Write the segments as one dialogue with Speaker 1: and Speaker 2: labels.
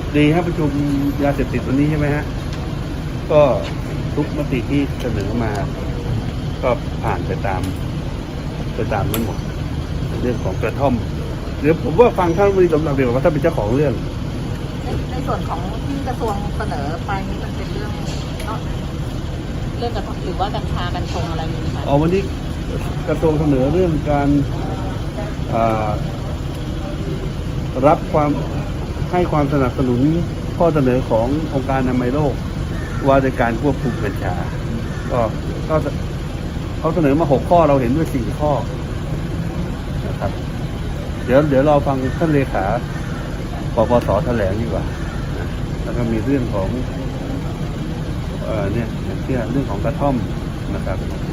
Speaker 1: ดีครับประชุมยาเสพติดวันนี้ใช่ไหมฮะก็ทุกมติที่เสนอมาก็ผ่านไปตามนั้นหมดเรื่องของกระท่อมเดี๋ยวผมว่าฟังท่านรัฐมนตรีสมศักดิ์เดี๋ยวว่าท่านเป็นเจ้าของเรื่อง
Speaker 2: ในส่วนของที่กระทรวงเสนอไปนี้มันเป็นเรื่องกระทบหรือว่ากัญชากัญชงอะไรอยู่ไหมคะ
Speaker 1: วันนี้กระทรวงเสนอเรื่องการรับให้ความสนับสนุนข้อเสนอขององค์การอนามัยโลกว่าในการควบคุมกัญชาก็เขาเสนอมา6 ข้อเราเห็นด้วย4 ข้อนะครับเดี๋ยวเราฟังท่านเลขาปปส.แถลงดีกว่าแล้วก็มีเรื่องของเนี่ยเรื่องของกระท่อมนะครับ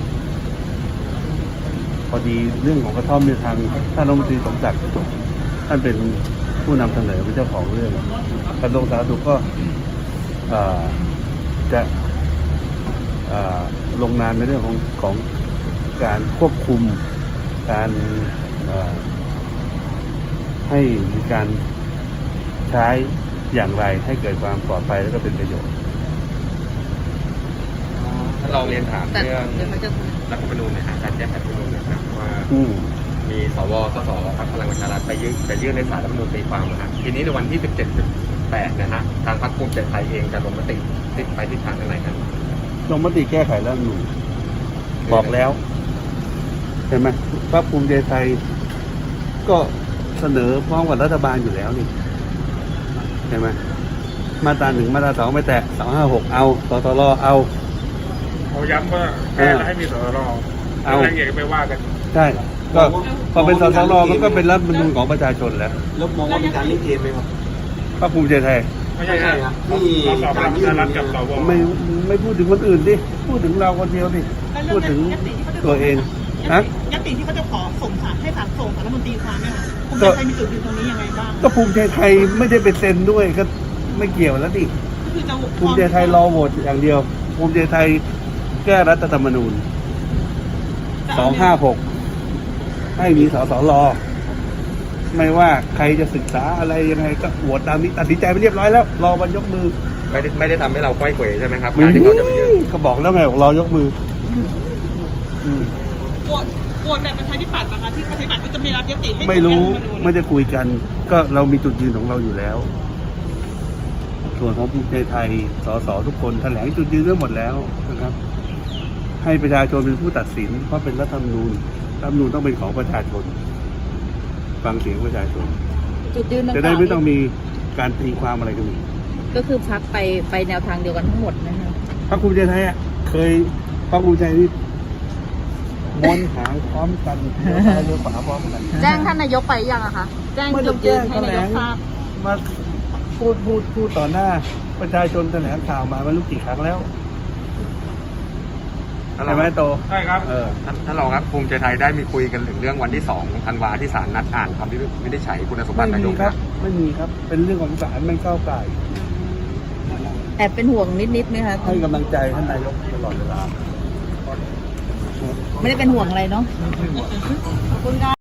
Speaker 1: พอดีเรื่องของกระท่อมในทางท่านรัฐมนตรีสมศักดิ์ท่านเป็นผู้นำเสนอเป็นเจ้าของเรื่องกระทรวงสาธารณสุขก็จะลงนามในเรื่องของการควบคุมการให้มีการใช้อย่างไรให้เกิดความปลอดภัยและก็เป็นประโยชน์
Speaker 3: ถ้าเราเรียนถามเรื่องรัฐธรรมนูญนะฮะการแก้ไขรัฐธรรมนูญนะครับว่ามีสวสสพรรคพลังประชารัฐไปยื่นในศาลรัฐธรรมนูญตีความนะฮะทีนี้ในวันที่ 17-8 นะฮะทางพรรคภูมิใจไทยเองจะลงมติไปทิศทางไหนกัน
Speaker 1: ลงมติแก้ไขรัฐธรรมนูญบอกแล้วเห็นไหมพรรคภูมิใจไทยก็เสนอพร้อมกับรัฐบาลอยู่แล้วนี่เห็นไหมมาตรา 1มาตรา 2ไม่แตะ256เอาสสรเอา
Speaker 3: ย้ำว่าแค่ให้มีสสรเอารายละเอียดไปว่ากัน
Speaker 1: ใช่ก็พอเป็นสสรมันก็เป็นรัฐธรรมนูญของประชาชนแล้ว
Speaker 4: มองว่ามีการเล่นเกมไหมครับ
Speaker 1: พรรคภูมิใจไทย
Speaker 3: ไม่ใช่ครับมีการยื่นรัฐกับสว
Speaker 1: ไม่พูดถึงคนอื่นดิพูดถึงเราคนเดียวดิพูดถึงตัวเอง
Speaker 2: ยัตติที่เขาจะขอส่งสารให้ศาลส่งสารรัฐมนตรีความเนี่ยภูมิใจไทยมีจุดยืนตรงนี้ยังไงบ้าง
Speaker 1: ก็ภูมิใจไทยไม่ได้ไปเซ็นด้วยก็ไม่เกี่ยวแล้วดิภูมิใจไทยรอโหวตอย่างเดียวภูมิใจไทยแก้รัฐธรรมนูญ256ให้มีสสรไม่ว่าใครจะศึกษาอะไรยังไงก็โหวตตามนี้ตัดสินใจไปเรียบร้อยแล้วรอวันยกมือ
Speaker 3: ไม่ได้ทำให้เราค่อยเขวใช่ไหมครับ
Speaker 1: การที่เขาจะไปยื่นก็บอกแล้วไงรอยกมือ
Speaker 2: โหวตแบบประชาธิปัตย์นะคะที่ประชาธิปัตย์ก็จะมีรับยติให้
Speaker 1: ไม่รู้ไม่ได้คุยกันก็เรามีจุดยืนของเราอยู่แล้วส่วนของภูมิใจไทยสสทุกคนแถลงจุดยืนเรื่องหมดแล้วนะครับให้ประชาชนเป็นผู้ตัดสินเพราะเป็นรัฐธรรมนูญต้องเป็นของประชาชนฟังเสียงประชาชน
Speaker 2: จุดยืน
Speaker 1: จะได้ไม่ต้องมีการตีความอะไรกันอีก
Speaker 2: ก็คือพรรคไปแนวทางเดียวกันทั้งหมดนะคะ
Speaker 1: พรรคภูมิใจไทยเคยพรรคภูมิใจนี่ม้วนหางพร้อมกันเรือขวาพร้อมกัน
Speaker 2: แจ้งท่านนายกไปยังอะคะแจ้งจุดยืนให้นายกทราบ
Speaker 1: มาพูดต่อหน้าประชาชนแถลงข่าวมาไม่รู้กี่ครั้งแล้วใช่ไหมโต
Speaker 3: ใช่ครับท่านรองครับภูมิใจไทยได้มีคุยกันถึงเรื่องวันที่2 ธันวาที่ศาลนัดอ่านคำวินิจฉัยคุณสมบัตินายก
Speaker 1: ครับไม่มีครับเป็นเรื่องของศาลไม่ก้าวไก่
Speaker 2: แอบเป็นห่วงนิดไหมคะ
Speaker 1: ให้กำลังใจท่านนายกตลอดเวลา
Speaker 2: ไม่ได้เป็นห่วงอะไรเนาะขอบคุณค่ะ